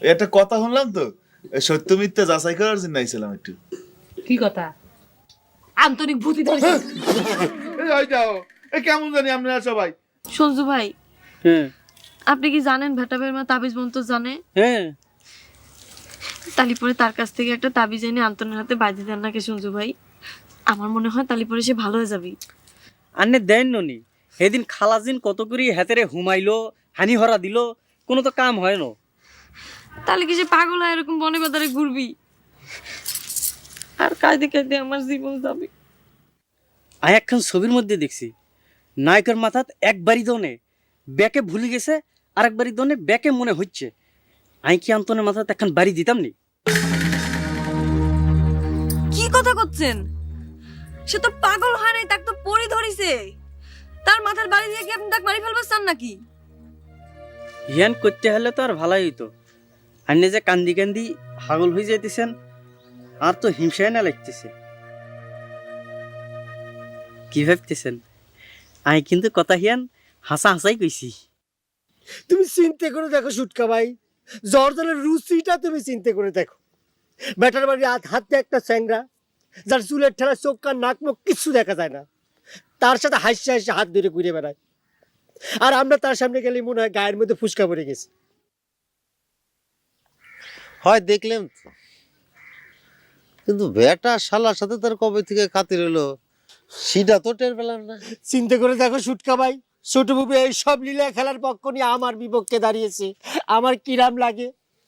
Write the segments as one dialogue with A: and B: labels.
A: একটা কথা শুনলাম তো, সত্য মিথ্যা যাচাই করার জন্য আইছিলাম একটু।
B: কি কথা? আন্তরিক ভূতি ধরেছে।
A: এই যাও, কেমন জানি আপনারা সবাই।
C: সঞ্জু ভাই,
D: হ্যাঁ
C: আপনি কি জানেন ভেটাবের মা তাবিজ মন্ত্র জানে?
D: হ্যাঁ,
C: তালিপরে তার কাছ থেকে একটা তাবিজ এনে আন্তনের হাতে বাঁধি দেন নাকি সঞ্জু ভাই? আমার মনে হয় তালিপরে সে ভালো হয়ে যাবে।
D: আন্নে দেন ননি সেদিন খালাজিন কত করি হাতেরে হুমাইলো, হানি হরা দিল, কোনো তো কাম হয় না।
C: তাহলে কি সে পাগল হয় এরকম বনে বাজারে ঘুরবি? আর কাঁদতে কাঁদতে আমার জীবন যাবে।
D: আমি একখান ছবির মধ্যে দেখছি নায়কের মাথাত একবারই দনে ব্যাকে ভুলে গেছে, আর একবারই দনে ব্যাকে মনে হচ্ছে। আমি কি আন্তনের মাথাতে একখান বাড়ি দিতাম নি?
C: কি কথা করছেন? সে তো পাগল হয় নাই, তাকে তো পরি ধরিছে। তার মাথার বাড়ি দিয়ে কি আপনি তাকে মারি ফেলবার চান নাকি?
D: হিয়ান করতে হলে তো আর ভালাই হইতো। আন্নে যে কান্দি কান্দি পাগল হয়ে যাইতেছেন, আর তো হিংসায় না লাগতেছে। কি ভাবতেছেন? আমি কিন্তু কথা হিয়ান হাসা হাসাই কইছি।
E: তুমি চিন্তা করে দেখো সুটকা ভাই, জর্দানের রুচিটা তুমি চিন্তা করে দেখো। ব্যাটার বাড়ি হাতে একটা স্যাংরা, যার চুলের ঠেলা চোখ কান নাক মুখ কিচ্ছু দেখা যায় না, তার সাথে হাসি হাসি হাত ধরে ঘুরে বেড়ায়। আর আমরা তার সামনে গেলে মনে হয় গায়ের মধ্যে ফুসকা পড়ে গেছে।
F: হয় দেখলাম তো, কিন্তু বেটা শালার সাথে তার কবে থেকে খাতির হলো সেটা তো টের পেলাম না।
E: চিন্তা করে দেখো সুটকা ভাই, ছোট বুবু এই সব লীলা খেলার পক্ষ নিয়ে আমার বিপক্ষে দাঁড়িয়েছে, আমার কিরাম লাগে।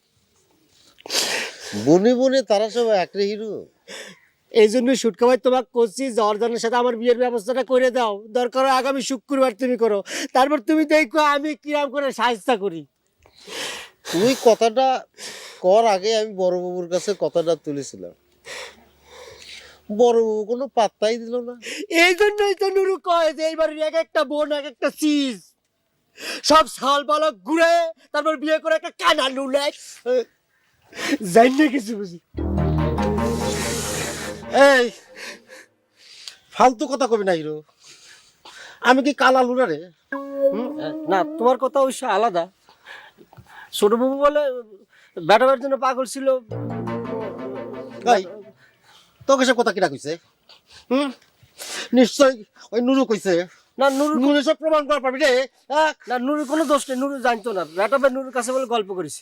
F: বনে বনে তারা সব একরে হিরো।
E: এই জন্য সুটকা ভাই তোমাকে করছি, জর্দানের সাথে আমার বিয়ের ব্যবস্থাটা করে দাও। দরকার হয় আগামী শুক্রবার তুমি করো, তারপর তুমি দেখো আমি কিরাম করে সাহায্য করি।
F: তুই কথাটা কর আগে আমি বড় বাবুর কাছে কথাটা তুলেছিলাম, বড় বাবু কোনো পাত্তাই দিল না।
E: এই জন্যই তো নুরু কয় যে এইবার এক একটা বোন এক একটা চিজ, সব সাল বালক ঘুরে তারপর বিয়ে করে একটা কানা নুলে জানি না কিছু বুঝি।
F: এই ফালতু কথা কবি না হিরো, আমি কি কালা লুনা রে?
E: না, তোমার কথা অবশ্য আলাদা। ছোট বাবু বলে ব্যাটাবার জন্য পাগল ছিল।
F: এই তোকে সব কথা কিনা কইছে? নিশ্চয় ওই নুরু কইছে।
E: না নুরু,
F: নুরু সব প্রমাণ করা পারবি রে?
E: না নুরুর কোনো দোষ নেই, নুরু জানতো না। ব্যাটাবার নুরুর কাছে বলে গল্প করেছি।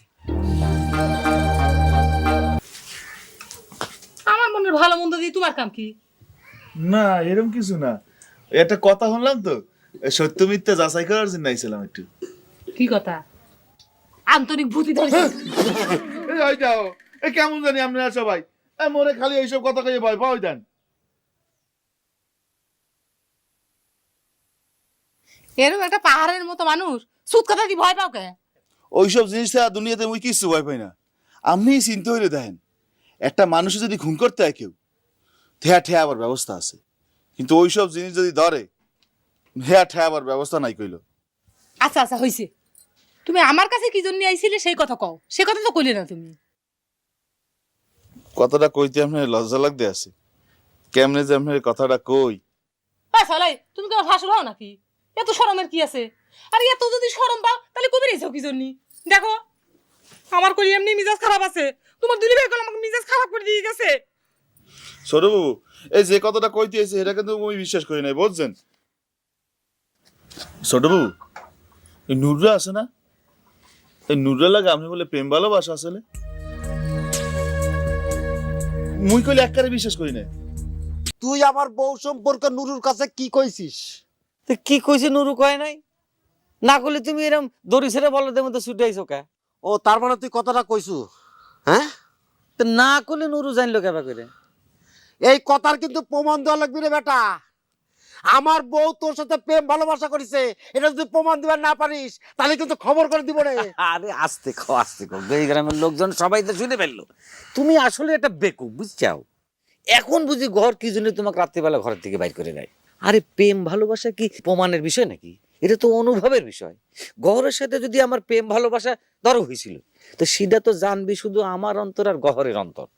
B: আমার মনের ভালো মন্দ দিয়ে তোমার কাম কি?
A: না এরকম কিছু না, একটা কথা শুনলাম তো, সত্য মিথ্যা যাচাই করার জন্য আইছিলাম একটু।
B: কি কথা? আন্তরিক ভূতি ধরেছে।
A: এই যাও, কেমন জানি আপনারা সবাই। মনে খালি এইসব কথা কয়ে ভয় পাওয়াই দেন।
B: এরকম একটা পাহাড়ের মতো মানুষ সুদ কথা কি ভয় পাও কে?
G: ওইসব জিনিস ছাড়া দুনিয়াতে মুই কিছু ভয় পাই না। আপনি চিন্তা হইলে দেখেন, একটা মানুষে যদি খুন করতে হয় কেউ, ঠেয়া ঠেয়া আবার ব্যবস্থা আছে, কিন্তু ওইসব জিনিস যদি ধরে, ঠেয়া ঠেয়া আবার ব্যবস্থা নাই কইল।
B: আচ্ছা আচ্ছা হইছে, তুমি আমার কাছে কি জন্য আইছিলে সেই কথা কও। সে কথা তো কইলে না তুমি।
G: কথাটা কইতে আপনার লজ্জা লাগতে আছে, কেমনে যে আপনার কথাটা কই।
B: সালাই তুমি কি আমার শাশুড় হও নাকি? এত শরমের কি আছে? আর এত যদি শরম পাও তাহলে কবে রেছো কি জন্য? দেখো আমার কই এমনি মিজাজ খারাপ আছে, তোমার দুলি ভাই আমাকে মিজাজ খারাপ করে দিয়ে গেছে।
G: ছোট বাবু, এই যে কথাটা কইতে আছে এটা কিন্তু আমি বিশ্বাস করি নাই, বুঝছেন? ছোট বাবু, এই নুররা আছে না, এই নুররা লাগে আপনি বলে প্রেম ভালোবাসা আসলে মুই কইলে একবারে বিশ্বাস করি না।
F: তুই আমার বউ সম্পর্কে নুরুর কাছে কি কইছিস?
D: তো কি কইছে নুরু কয় নাই? না করলে তুমি এরকম দড়ি ছেড়ে বলদের মধ্যে ছুটে আইছো কে?
F: ও তার মানে তুই কথাটা কইছু? হ্যাঁ,
D: তো না করলে নুরু জানলো কেবা করে?
F: এই কথার কিন্তু প্রমাণ দেওয়া লাগবে রে বেটা। আমার বউ তোর সাথে প্রেম ভালোবাসা করেছে, এটা যদি প্রমাণ দিবার না পারিস তাহলে কিন্তু খবর করে দিব রে।
D: আরে আস্তে খাও আস্তে খাও, এই গ্রামের লোকজন সবাই তো শুনে ফেললো। তুমি আসলে একটা বেকুব, বুঝছাও? এখন বুঝি ঘর কি জন্য তোমাকে রাত্রিবেলা ঘরের থেকে বাইর করে দেয়? আরে প্রেম ভালোবাসা কি প্রমাণের বিষয় নাকি? এটা তো অনুভবের বিষয়। গহরের সাথে যদি আমার প্রেম ভালোবাসা ধরো হয়েছিল, তো সেটা তো জানবি শুধু আমার অন্তর আর গহরের অন্তর।